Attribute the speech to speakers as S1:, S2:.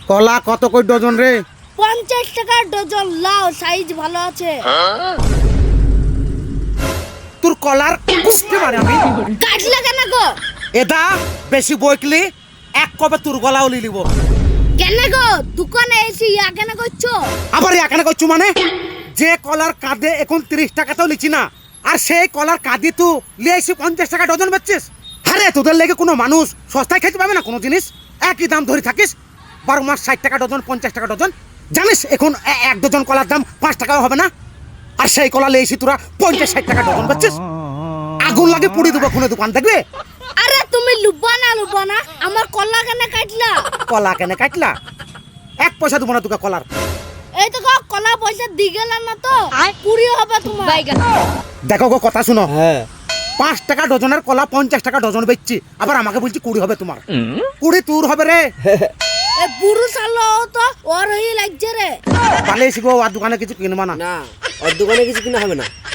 S1: কলা কত কই ডজন রে?
S2: 50 টাকা ডজন। লাও, সাইজ ভালো আছে।
S1: তোর কলার বুঝতে পারে আমি
S2: কাটলা কেন গো?
S1: এটা বেশি বইকলি এক কবে তোর গলাও লিলিব।
S2: কেন গো দোকানে এসে ইয়া কেন করছো?
S1: আবার এখানে করছু মানে যে কলার কাঁদে এখন 30 টাকাতেও লিচি না, আর সেই কলার কাঁদি তুই লিয়ে এসে 50 টাকা ডজন বেচছিস। আরে তোদের লেগে কোনো মানুষ সস্তায় খেতে পাবে না কোনো জিনিস, একই দাম ধরে থাকিস। 12 মাস 60 টাকা ডজন, 50 টাকা ডজন। জানিস এখন এক ডজন কলার দাম 5 টাকাও হবে না, আর সেই কলা লিয়ে এসে তোরা 50-60 টাকা ডজন বেচছিস। আগুন লাগে পুড়ি দেবো খুনে দোকান দেখবে।
S2: আরে তুমি লুবা না আমার কলা কেন কাটলা?
S1: কলা কেন কাটলা? 1 পয়সা দেবো না তোকে কলার।
S2: এই তো গো কলা পয়সা দি গেলাম না তো পুরি হবে তোমার।
S1: দেখো গো কথা শুনো,
S3: হ্যাঁ
S1: 5 টাকা ডজনের কলা 50 টাকা ডজন বেচছি, আবার আমাকে বলছি 20 হবে তোমার। 20 তোর হবে রে।
S2: এ বুড়ো সালো তো ওর হই লাগছে রে।
S1: তাহলে শিখবো আর দোকানে কিছু কিনবা না।
S3: না ওর দোকানে কিছু কিনা হবে না।